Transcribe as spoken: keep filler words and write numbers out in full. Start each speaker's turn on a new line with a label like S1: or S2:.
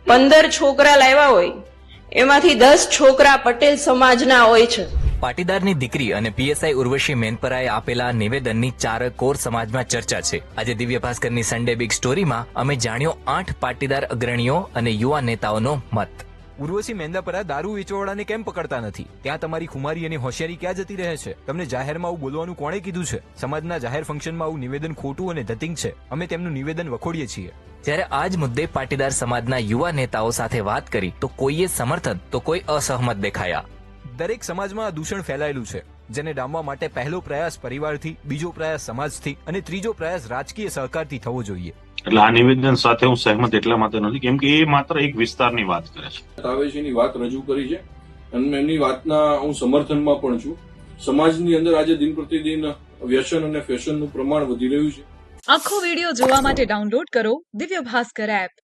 S1: પંદર છોકરા લાવ્યા હોય એમાંથી દસ છોકરા પટેલ સમાજના હોય છે.
S2: પાટીદારની દીકરી અને પીએસઆઈ ઉર્વશી મેનપરાએ આપેલા નિવેદનની ચાર કોર સમાજમાં ચર્ચા છે. આજે દિવ્ય ભાસ્કરની સન્ડે બિગ સ્ટોરીમાં અમે જાણ્યો આઠ પાટીદાર અગ્રણીઓ અને યુવા નેતાઓનો મત.
S3: ઉર્વશી મેંદાપરા દારૂ વેચવાવાળાને કેમ પકડતા નથી? ત્યાં તમારી ખુમારી અને હોશિયારી ક્યાં જતી રહે છે? તમને જાહેરમાં આવું બોલવાનું કોણે કીધું છે? સમાજના જાહેર ફંક્શનમાં આવું નિવેદન ખોટું અને ધતિંગ છે. અમે તેમનું નિવેદન વખોડીએ છીએ.
S2: જ્યારે આ જ મુદ્દે પાટીદાર સમાજના યુવા નેતાઓ સાથે વાત કરી તો કોઈએ સમર્થન તો કોઈ અસહમત દેખાયા.
S3: દરેક સમાજમાં આ દૂષણ ફેલાયેલું છે, જેને ડામવા માટે પહેલો પ્રયાસ પરિવારથી, બીજો પ્રયાસ સમાજથી અને ત્રીજો પ્રયાસ રાજકીય સહકારથી થવો જોઈએ.
S4: એટલે આ નિવેદન સાથે હું સહેમત એટલા માટે નથી કેમ કે એ માત્ર એક વિસ્તારની વાત કરે છે.
S5: તાવેશીની વાત રજૂ કરી છે અને એમની વાતના હું સમર્થનમાં પણ છું. સમાજની અંદર આજે દિન પ્રતિદિન વ્યસન અને ફેશનનું પ્રમાણ વધી રહ્યું છે.
S6: આખો વિડીયો જોવા માટે ડાઉનલોડ કરો દિવ્ય ભાસ્કર એપ.